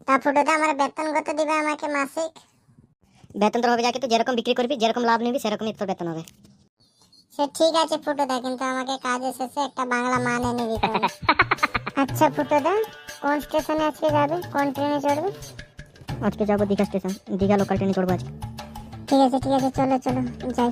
তা ফুটোদা আমার বেতন কত দিবে আমাকে মাসিক? বেতন তোর হবে যাকে তুই যেরকম বিক্রি করবি, যেরকম লাভ নিবি, সেরকমই তোর বেতন হবে। সে ঠিক আছে ফুটোদা, কিন্তু আমাকে কাজে শেষে একটা বাংলা মান এনে দিতে হবে। আচ্ছা ফুটোদা, কোন স্টেশনে আজকে যাবে, কোন ট্রেনে চড়বে? আজকে যাবো দীঘা স্টেশন, দীঘা লোকাল ট্রেনে চড়বো আজকে। ঠিক আছে চলো চলো যাই।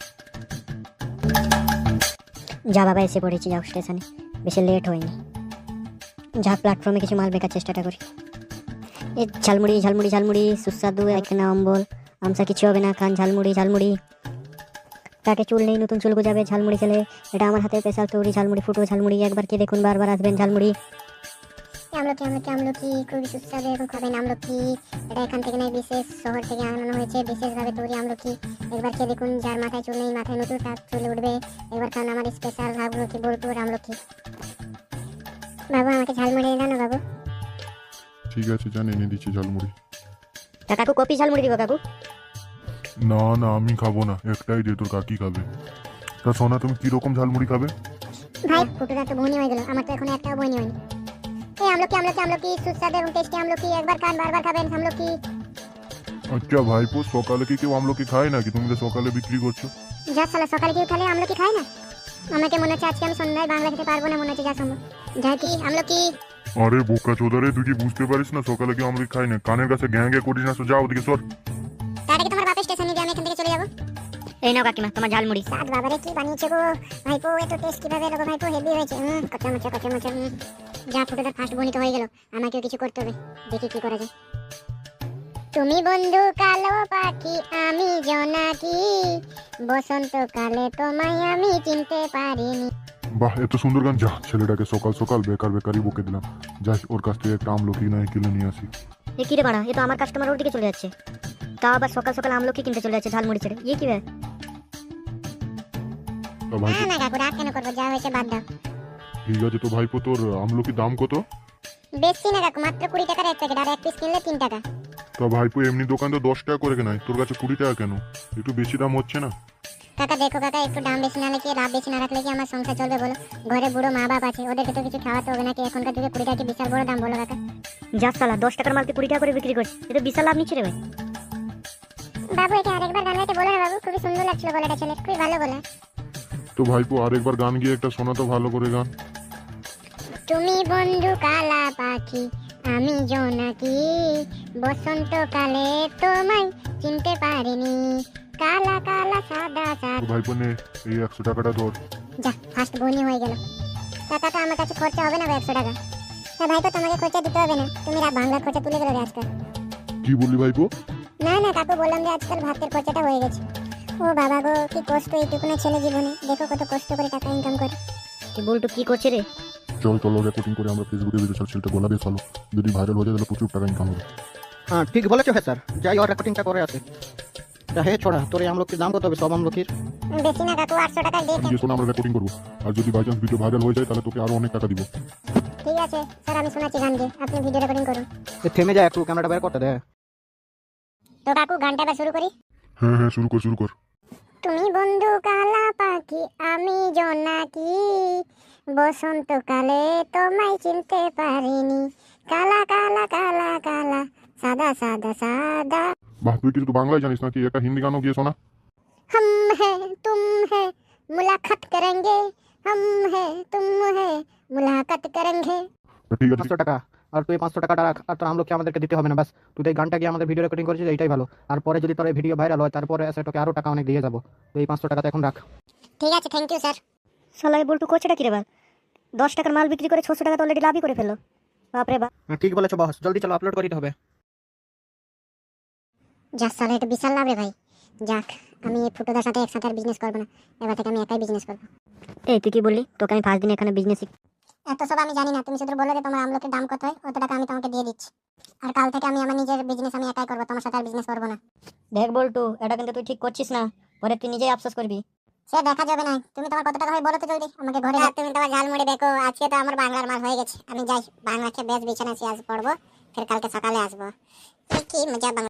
যা বাবা, এসে পড়েছি, যাও স্টেশনে, বেশি লেট হয়নি। যা প্ল্যাটফর্মে কিছু মাল বেকার চেষ্টাটা করি। এই ঝালমুড়ি ঝালমুড়ি ঝালমুড়ি সুস্বাদু একখানা অম্বল আমসা কিছু হবে না, খান ঝালমুড়ি ঝালমুড়ি। তাকে চুল নেই, নতুন চুল গজাবে ঝালমুড়ি খেলে। এটা আমার হাতে স্পেশাল তৈরি ঝালমুড়ি, ফুটো ঝালমুড়ি, একবার কে দেখুন বারবার আসবেন ঝালমুড়ি। আমলকি খুবই সুস্বাদু, এখন খাবেন আমলকি। এটা এখান থেকে নয়, বিশেষ শহর থেকে আনানো হয়েছে, বিশেষভাবে তৈরি আমলকি। একবার খেয়ে দেখুন, যার মাথায় চুল নেই মাথায় নতুন তার চুল উঠবে। একবার খান আমার স্পেশাল আমলকি, বোলপুর আমলকি। বাবু আমাকে ঝালমুড়ি দাও না বাবু। ঠিক আছে, জান এনে দিচ্ছি ঝালমুড়ি। তা কাকু কপি ঝালমুড়ি দিব কাকু? না না, আমি খাবো না, একটাই দে, তোর কাকি খাবে। তা সোনা, তুমি কিরকম ঝালমুড়ি খাবে? ভাই ফুটোদা তো বনি হয়ে গেল, আমার তো এখন একটাও বনি হয়নি। এই আমলকি সুস্বাদু এবং টেস্টি আমলকি, একবার খান বারবার খাবেন আমলকি। আচ্ছা ভাইপো, সকালে কি কেউ আমলকি খায় নাকি? তুমি তো সকালে বিক্রি করছো। যা সালা, সকালে কেউ তাহলে আমলকি খায় না? আমাকে মনে হচ্ছে আজকে আমি সন্ধ্যায় বাংলা খেতে পারবো না, মনে হচ্ছে যা সম্ভব। যাই কি আমলকি। আরে বোকা চোদারে, তুই কি বুঝতে পারিস না সকালে কেউ আমলকি খায় না? কানের কাছে গ্যাঁ গ্যাঁ করিস না, তো যাও ওদিকে সর। তার আগে তোমার বাপের স্টেশনে দিয়ে আমি এখান থেকে চলে যাবো। এই নাও কাকিমা তোমার ঝালমুড়ি। সাত বাবারে কি বানিয়েছে গো ভাইপো, এত টেস্ট কিভাবে এলো গো ভাইপো, হেভি হয়েছে। কচা মচা। যা ফুটোটা ফার্স্ট বনিত হয়ে গেল, আমাকেও কিছু করতে হবে, দেখি কি করা যায়। তুমি বন্ধু কালো পাখি, আমি জোনাকি, বসন্তকালে তোমায় আমি চিনতে পারিনি। বাহ, এত সুন্দর গান! যা, ছেলেটাকে সকাল সকাল বেকার বেকারই বকে দিলাম। যাই, ওর কাছ থেকে একটা আমলকি নয় কিনে নিয়ে আসি। এ কি রে বাড়া, এ তো আমার কাস্টমার ওর দিকে চলে যাচ্ছে, তা আবার সকাল সকাল আমলকি কিনতে চলে যাচ্ছে ঝালমুড়ি ছেড়ে। ইয়ে কি ভাই? তা ভাইপো, না কাকু, রাগ কেন করবো, যা হয়েছে বাদ দাও। ঠিক আছে, তো ভাইপো তোর আমলকির দাম কত? বেশি না কাকু, মাত্র 20 টাকার এক প্যাকেট, আর এক পিস কিনলে 3 টাকা। তা ভাইপো, এমনি দোকান তো 10 টাকা করে কেনায়, তোর কাছে 20 টাকা কেন? একটু বেশি দাম হচ্ছে না? কাকা দেখো কাকা, একটু দাম বেশি না রাখলে, লাভ বেশি না রাখলে কি আমার সংসার চলবে বলো? ঘরে বুড়ো মা বাপ আছে, ওদেরকে তো কিছু খাওয়াতে হবে নাকি? এখনকার যুগে 20 টাকা কি বিশাল বড় দাম বলো কাকা? যা সালা, 10 টাকার মালকে 20 টাকা করে বিক্রি করছে, এটা বিশাল লাভ নিচ্ছে রে ভাই। বাবু এটা আরেকবার গান গাইতে বলো না বাবু, খুবই সুন্দর লাগছিল গলাটা, ছেলে খুবই ভালো গলা। তো ভাইপো, আরেকবার গান গিয়ে একটা শোনা তো ভালো করে গান। তুমি বন্ধু কালা পাখি, আমি জোনাকি, বসন্তকালে তোমায় চিনতে পারিনি, কালা কালা সাদা তো সাদা। ভাইপো নে, এই 100 টাকাটা ধর। যা ফার্স্ট বনি হয়ে গেল। টাকাটা আমার কাছে খরচা হবে না 100 টাকা। হ্যাঁ ভাই, তো তোমাকে খরচা দিতে হবে না, তুমি বাংলার খরচা তুলে গেলে আজকাল। কি বললি ভাইপো? না কাকু, বললাম যে আজকাল ভাতের খরচাটা হয়ে গেছে। ও বাবা গো, কি কষ্ট এইটুকুনা ছেলে জীবনে, দেখো কত কষ্ট করে টাকা ইনকাম করে। কি বলটু কি করছে রে? চল চলো, রেকর্ডিং করে আমরা ফেসবুকে ভিডিও ছাড়, ছেলেটা গলা বেশ ভালো, যদি ভাইরাল হয়ে যায় তাহলে প্রচুর টাকা ইনকাম হবে। হ্যাঁ ঠিক বলেছো হ্যাঁ স্যার, যাই ওর রেকর্ডিংটা করে আছে। তা হে ছোড়া, তোর এই আমলকির দাম কত হবে সব আমলকির? বেশি না কাকু, 800 টাকা দিয়ে আজকে শোনা, আমরা রেকর্ডিং করবো, আর যদি বাই চান্স ভিডিও ভাইরাল হয়ে যায় তাহলে তোকে আরো অনেক টাকা দিব। ঠিক আছে স্যার, আমি শোনাচ্ছি গান গিয়ে, আপনি ভিডিও রেকর্ডিং করুন। এ থেমে যায় একটু, ক্যামেরাটা বের করতে দে। তো কাকু গানটা এবার শুরু করি। হ্যাঁ, শুরু কর। তুমি বন্ধু কালা পাখি, আমি জোনাকি, বসন্তকালে তোমায় চিনতে পারিনি, কালা কালা কালা কালা সাদা সাদা সাদা। বাহ, তুই কিছু তো বাংলায় জানিস নাকি? একটা হিন্দি গানও গিয়ে শোনা। हम है तुम है मुलाकात करेंगे, हम है तुम है मुलाकात करेंगे। তা ঠিক আছে, 500 টাকা, আর তুই 500 টাকাটা রাখ, আর তোর আমলকি আমাদেরকে দিতে হবে না, বাস তুই তো এই গানটা গিয়ে আমাদের ভিডিও রেকর্ডিং করেছিস, এইটাই ভালো। আর পরে যদি তোর এই ভিডিও ভাইরাল হয়, তারপরে এসে তোকে আরো টাকা অনেক দিয়ে যাবো। তো এই 500 টাকাটা এখন রাখ। ঠিক আছে, থ্যাংক ইউ স্যার। সালা এই বলটু করছেটা কি রে ভাই? 10 টাকার মাল বিক্রি করে 600 টাকা তো অলরেডি লাভই করে ফেললো। বাপরে বাপ। হ্যাঁ, ঠিক বলেছো বস, জলদি চলো, আপলোড করে দিতে হবে। যাক সালা, এটা বিশাল লাভ রে ভাই। যাক, আমি এই ফুটোদার সাথে একসাথে আর বিজনেস করবো না, এবার থেকে আমি একাই বিজনেস করবো। এই তুই কি বললি? তোকে আমি ফার্স্ট দিন এখানে বিজনেস এত সব আমি জানি না, তুমি শুধু বলে যে তোমার আমলকির দাম কত হয়, অত টাকা আমি তোমাকে দিয়ে দিচ্ছি। আর কাল থেকে আমি আমার নিজের বিজনেস আমি একাই করবো, তোমার সাথে আর বিজনেস করবো না। দেখ বলটু, এটা কিন্তু তুই ঠিক করছিস না, পরে তুই নিজেই আফসোস করবি। সে দেখা যাবে না, তুমি তোমার কত টাকা হয় বলো তো জলদি আমাকে ঘরে। তুমি তোমার ঝালমুড়ি দেখো, আজকে তো আমার বাংলার মাল হয়ে গেছে, আমি যাই বাংলাকে বেশ বিছানা আজ পড়বো, ফের কালকে সকালে আসবো। কি মজা।